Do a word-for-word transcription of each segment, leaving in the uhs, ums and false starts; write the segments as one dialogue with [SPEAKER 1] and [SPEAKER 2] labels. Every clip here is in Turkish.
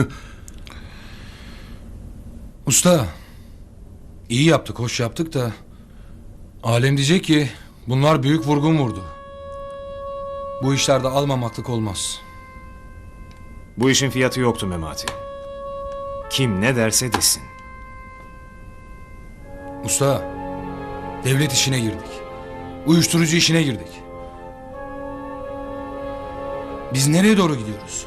[SPEAKER 1] Usta, iyi yaptık, hoş yaptık da... Alem diyecek ki bunlar büyük vurgun vurdu. Bu işlerde almamaklık olmaz.
[SPEAKER 2] Bu işin fiyatı yoktu Memati. Kim ne derse desin.
[SPEAKER 1] Usta, devlet işine girdik. Uyuşturucu işine girdik. Biz nereye doğru gidiyoruz?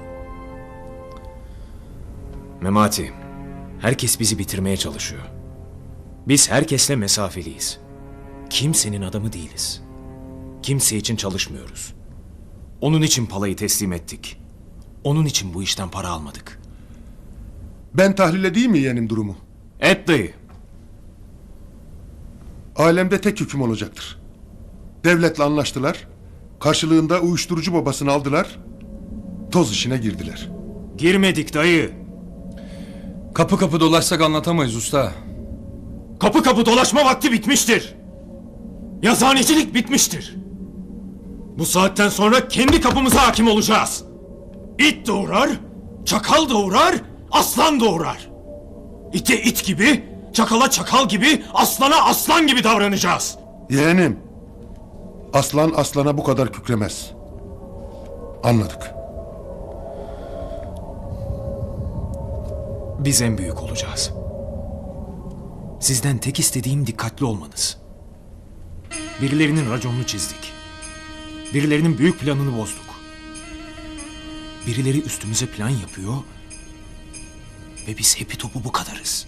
[SPEAKER 2] Memati, herkes bizi bitirmeye çalışıyor. Biz herkesle mesafeliyiz. Kimsenin adamı değiliz. Kimse için çalışmıyoruz. Onun için palayı teslim ettik. Onun için bu işten para almadık.
[SPEAKER 3] Ben tahlil edeyim mi yeğenim durumu?
[SPEAKER 2] Et dayı.
[SPEAKER 3] Alemde tek hüküm olacaktır. Devletle anlaştılar. Karşılığında uyuşturucu babasını aldılar. Toz işine girdiler.
[SPEAKER 2] Girmedik dayı.
[SPEAKER 1] Kapı kapı dolaşsak anlatamayız usta.
[SPEAKER 2] Kapı kapı dolaşma vakti bitmiştir. Yazhanecilik bitmiştir. Bu saatten sonra kendi kapımıza hakim olacağız. İt doğurar, çakal doğurar, aslan doğurar. İte it gibi, çakala çakal gibi, aslana aslan gibi davranacağız.
[SPEAKER 3] Yeğenim, aslan aslana bu kadar kükremez. Anladık.
[SPEAKER 2] Biz en büyük olacağız. Sizden tek istediğim dikkatli olmanız. Birilerinin raconunu çizdik. Birilerinin büyük planını bozduk. Birileri üstümüze plan yapıyor ve biz hepi topu bu kadarız.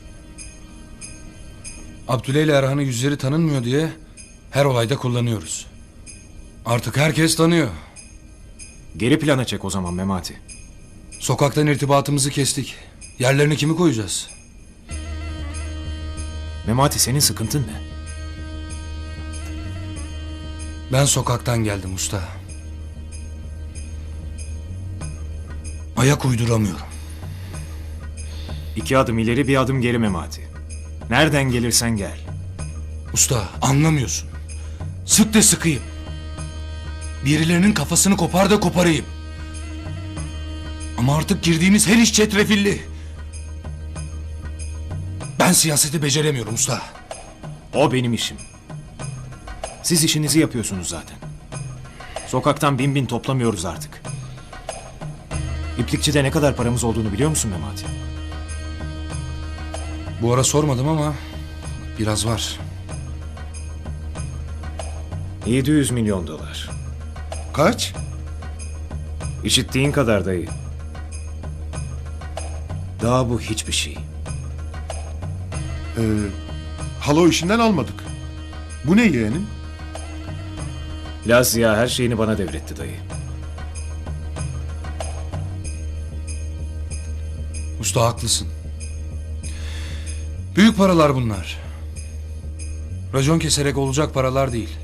[SPEAKER 1] Abdüle ile Erhan'ın yüzleri tanınmıyor diye her olayda kullanıyoruz. Artık herkes tanıyor.
[SPEAKER 2] Geri plana çek o zaman Memati.
[SPEAKER 1] Sokaktan irtibatımızı kestik. Yerlerini kimi koyacağız?
[SPEAKER 2] Memati, senin sıkıntın ne?
[SPEAKER 1] Ben sokaktan geldim usta. Ayak uyduramıyorum.
[SPEAKER 2] İki adım ileri bir adım geri Memati. Nereden gelirsen gel.
[SPEAKER 1] Usta anlamıyorsun. Sık da sıkayım. Birilerinin kafasını kopar da koparayım. Ama artık girdiğimiz her iş çetrefilli. Ben siyaseti beceremiyorum usta.
[SPEAKER 2] O benim işim. Siz işinizi yapıyorsunuz zaten. Sokaktan bin bin toplamıyoruz artık. İplikçide ne kadar paramız olduğunu biliyor musun Memati?
[SPEAKER 1] Bu ara sormadım ama biraz var.
[SPEAKER 2] yedi yüz milyon dolar.
[SPEAKER 3] Kaç?
[SPEAKER 2] İşittiğin kadar dayı. Daha bu hiçbir şey.
[SPEAKER 3] Ee, halo işinden almadık. Bu ne yeğenim?
[SPEAKER 2] Lazia her şeyini bana devretti dayı.
[SPEAKER 1] Usta haklısın. Büyük paralar bunlar. Racon keserek olacak paralar değil.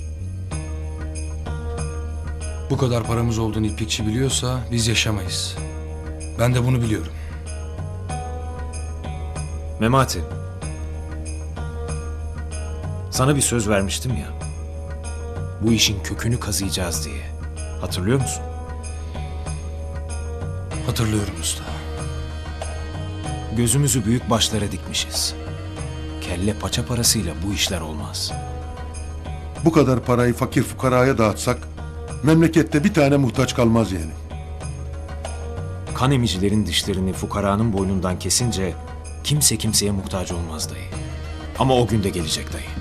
[SPEAKER 1] Bu kadar paramız olduğunu iplikçi biliyorsa biz yaşamayız. Ben de bunu biliyorum.
[SPEAKER 2] Memati. Sana bir söz vermiştim ya. Bu işin kökünü kazıyacağız diye. Hatırlıyor musun?
[SPEAKER 1] Hatırlıyorum usta.
[SPEAKER 2] Gözümüzü büyük başlara dikmişiz. Kelle paça parasıyla bu işler olmaz.
[SPEAKER 3] Bu kadar parayı fakir fukaraya dağıtsak memlekette bir tane muhtaç kalmaz yeğenim.
[SPEAKER 2] Kan emicilerin dişlerini fukaranın boynundan kesince kimse kimseye muhtaç olmaz dayı. Ama o gün de gelecek dayı.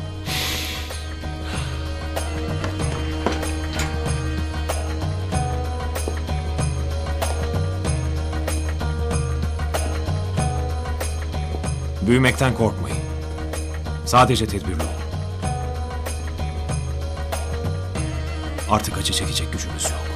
[SPEAKER 2] Büyümekten korkmayın. Sadece tedbirli olun. Artık acı çekecek gücümüz yok.